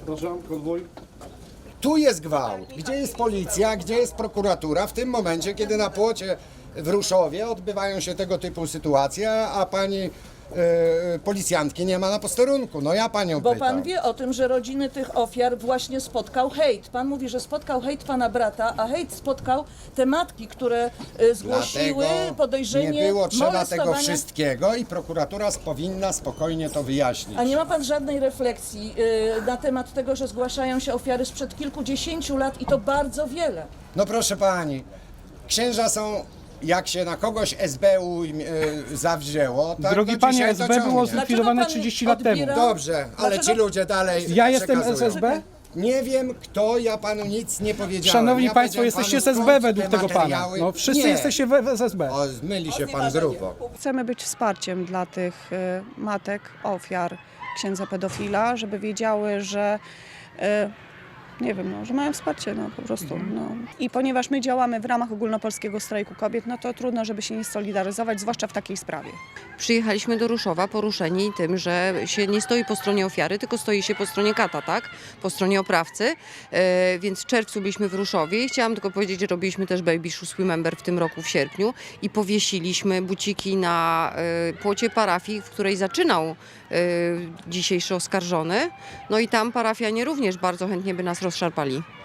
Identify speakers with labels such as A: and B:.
A: Zapraszam, konwój.
B: Tu jest gwałt. Gdzie jest policja, gdzie jest prokuratura? W tym momencie, kiedy na płocie w Ruszowie odbywają się tego typu sytuacje, a pani policjantki nie ma na posterunku. No ja panią
C: Bo
B: pytam.
C: pan wie o tym, że rodziny tych ofiar właśnie spotkał hejt. Pan mówi, że spotkał hejt pana brata, a hejt spotkał te matki, które zgłosiły
B: Dlatego
C: podejrzenie
B: nie było trzeba tego
C: molestowania.
B: wszystkiego i prokuratura powinna spokojnie to wyjaśnić.
C: A nie ma pan żadnej refleksji na temat tego, że zgłaszają się ofiary sprzed kilkudziesięciu lat i to bardzo wiele.
B: No proszę pani, księża są, jak się na kogoś SBU zawzięło, tak
D: Drogi
B: to
D: panie,
B: dzisiaj
D: SB
B: dociągnie.
D: było zlikwidowane
C: Dlaczego pan
D: 30 lat temu.
C: odbiera-
B: Dobrze, ale
C: Dlaczego-
B: ci ludzie dalej
D: Ja jestem
B: przekazują.
D: SSB?
B: Nie wiem kto, ja panu nic nie powiedziałem.
D: Szanowni
B: ja
D: państwo,
B: powiedziałem
D: jesteście z
B: panu,
D: SB
B: skąd
D: według
B: te
D: tego pana.
B: materiały.
D: No, wszyscy
B: Nie.
D: jesteście w SSB.
B: O, zmyli się pan grubo.
E: Chcemy być wsparciem dla tych matek, ofiar księdza pedofila, żeby wiedziały, że nie wiem, no, że mają wsparcie, no po prostu. No. I ponieważ my działamy w ramach ogólnopolskiego strajku kobiet, no to trudno, żeby się nie solidaryzować, zwłaszcza w takiej sprawie.
F: Przyjechaliśmy do Ruszowa poruszeni tym, że się nie stoi po stronie ofiary, tylko stoi się po stronie kata, tak? Po stronie oprawcy. Więc w czerwcu byliśmy w Ruszowie i chciałam tylko powiedzieć, że robiliśmy też Baby Shoes Remember w tym roku w sierpniu i powiesiliśmy buciki na płocie parafii, w której zaczynał dzisiejszy oskarżony. No i tam parafianie również bardzo chętnie by nas rozszarpali.